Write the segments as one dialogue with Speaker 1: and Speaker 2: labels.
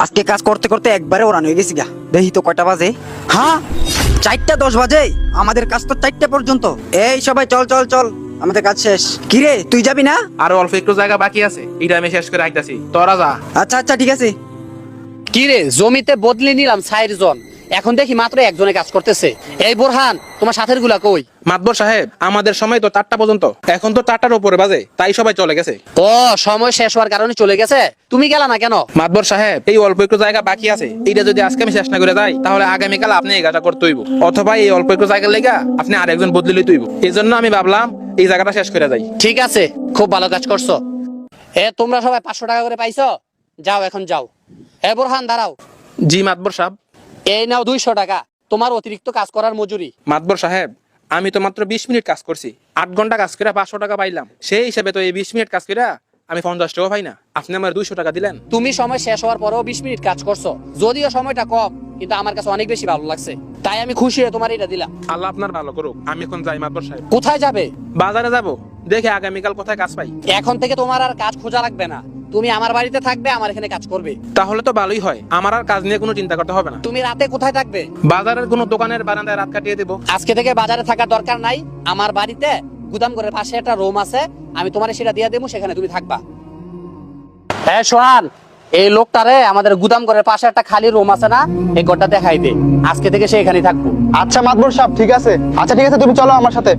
Speaker 1: আজকে কাজ করতে করতে একবারে ওরান হয়ে গেছি গা। দেখি তো কয়টা বাজে। হ্যাঁ, 4:10 বাজে। আমাদের কাজ তো 4টা পর্যন্ত। এই সবাই চল চল চল, আমাদের কাজ শেষ। কিরে তুই যাবি না?
Speaker 2: আরো অল্প একটু জায়গা বাকি আছে, এটা আমি শেষ করে আইতাছি, তোরা যা।
Speaker 1: আচ্ছা আচ্ছা ঠিক আছে।
Speaker 3: কি রে, জমিতে বদলে নিলাম 4 জন, এখন দেখি মাত্র একজনে কাজ করতেছে। এই বোরহান, তোমার সাথের গুলা কই?
Speaker 2: মাতবর সাহেব, আমাদের সময় তো 4টা পর্যন্ত, এখন তো 4টার উপরে বাজে, তাই সবাই চলে গেছে।
Speaker 3: ও, সময় শেষ হওয়ার কারণে চলে গেছে, তুমি গেলা না কেন?
Speaker 2: মাতবর সাহেব, এই অল্প একটু জায়গা বাকি আছে, এটা যদি আজকে আমি শেষ না করে যাই, তাহলে আগামীকাল আপনি এই কাজটা করতে হইব, অথবা এই অল্প একটু জায়গা লেগা আপনি আরেকজন বদলে লইতে হইব। এই জন্য আমি ভাবলাম এই জায়গাটা শেষ করে যাই।
Speaker 3: ঠিক আছে, খুব ভালো কাজ করছো। তোমরা সবাই 500 টাকা করে পাইছো, যাও এখন যাও। বোরহান দাঁড়াও।
Speaker 2: জি মাতবর সাহেব।
Speaker 3: এই নাও 200 টাকা, তোমার অতিরিক্ত কাজ করার মজুরি।
Speaker 2: মাতবর সাহেব, আমি তো মাত্র 20 মিনিট কাজ করছি, 8 ঘন্টা কাজ করে 500 টাকা পাইলাম, সেই হিসাবে তো এই 20 মিনিট কাজ করে আমি 50 টাকা পাই না, আপনি আমার 200 টাকা দিলেন।
Speaker 3: তুমি সময় শেষ হওয়ার পরেও 20 মিনিট কাজ করছো, যদিও সময়টা কম, কিন্তু আমার কাছে অনেক বেশি ভালো লাগছে, তাই আমি খুশি হয়ে তোমার এটা দিলাম।
Speaker 2: আল্লাহ আপনার ভালো করুক। আমি এখন যাই মাতবর সাহেব।
Speaker 3: কোথায় যাবে?
Speaker 2: বাজারে যাব, দেখে আগামীকাল কোথায় কাজ পাই।
Speaker 3: এখন থেকে তোমার আর কাজ খোঁজা লাগবে না, তুমি আমার বাড়িতে থাকবে, আমার এখানে কাজ করবে।
Speaker 2: তাহলে তো ভালোই হয়, আমার আর কাজ নিয়ে কোনো চিন্তা করতে হবে না।
Speaker 3: তুমি রাতে কোথায় থাকবে?
Speaker 2: বাজারের কোনো দোকানের বারান্দায় রাত কাটিয়ে দেবো।
Speaker 3: আজকে থেকে বাজারে থাকার দরকার নাই, আমার বাড়িতে গুদাম ঘরের পাশে একটা রুম আছে, আমি তোমার সেটা দিয়ে দেবো, সেখানে তুমি থাকবা। হ্যাঁ সোহান, এই লোকটারে আমাদের গুদাম ঘরের পাশে একটা খালি রুম আছে না, এই ঘরটা দেখাই দে, আজকে থেকে সে এখানেই থাকবো।
Speaker 4: আচ্ছা মাতবর সাহেব, ঠিক আছে। আচ্ছা ঠিক আছে, তুমি চলো আমার সাথে।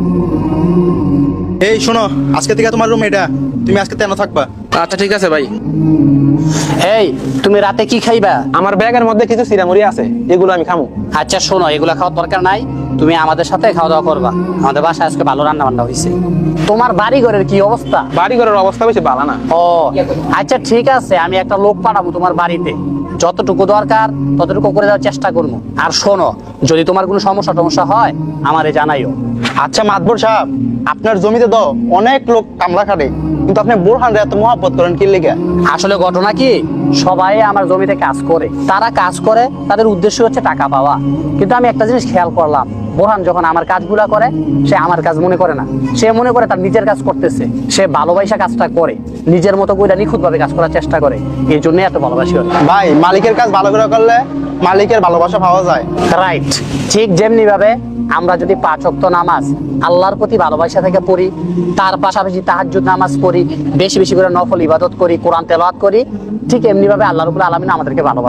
Speaker 4: এই শোনো, আজকে থেকে তোমার রুম এটা, তুমি আজকে তেন থাকবা।
Speaker 2: আচ্ছা ঠিক আছে ভাই।
Speaker 3: এই, তুমি রাতে কি খাইবা?
Speaker 2: আমার ব্যাগের মধ্যে কিছু চিরামুড়ি আছে, এগুলো আমি খামু।
Speaker 3: আচ্ছা শোনো, এগুলা খাওয়ার দরকার নাই, তুমি আমাদের সাথে খাওয়া দাওয়া করবা, আমাদের বাসায় আজকে ভালো রান্না বান্না হয়েছে। তোমার বাড়ি ঘরের কি অবস্থা?
Speaker 2: বাড়ি ঘরের অবস্থা বেশি ভালো না।
Speaker 3: ও আচ্ছা ঠিক আছে, আমি একটা লোক পাঠাবো তোমার বাড়িতে, যতটুকু দরকার ততটুকু করে দেওয়ার চেষ্টা করবো। আর শোনো, যদি তোমার কোনো সমস্যা হয় আমারে জানাইও।
Speaker 4: আচ্ছা মাতবর সাহেব, আপনার জমিতে দাও অনেক লোক কামলা খাটে, কিন্তু আপনি বোরহান রে এত মহব্বত করেন কি লেগে?
Speaker 3: আসলে ঘটনা কি, সবাই আমার জমিতে কাজ করে, তারা কাজ করে, তাদের উদ্দেশ্য হচ্ছে টাকা পাওয়া, কিন্তু আমি একটা জিনিস খেয়াল করলাম, বোরহান যখন আমার কাজগুলা করে, সে আমার কাজ মনে করে না, সে মনে করে তার নিজের কাজ করতেছে, সে ভালোবাসা কাজটা করে, নিজের মতো করে নিখুঁত ভাবে কাজ করার চেষ্টা করে, এই জন্য এত ভালোবাসি।
Speaker 4: ভাই, মালিকের কাজ ভালো করে করলে মালিকের ভালোবাসা পাওয়া যায়।
Speaker 3: রাইট, ঠিক যেমনি ভাবে আমরা যদি 5 ওয়াক্ত নামাজ আল্লাহর প্রতি ভালোবাসা থেকে পড়ি, তার পাশাপাশি তাহাজ্জুদ নামাজ পড়ি, বেশি বেশি করে নফল ইবাদত করি, কোরআন তেলাওয়াত করি, ঠিক এমনি ভাবে আল্লাহ রাব্বুল আলামিন আমাদেরকে ভালোবাসেন।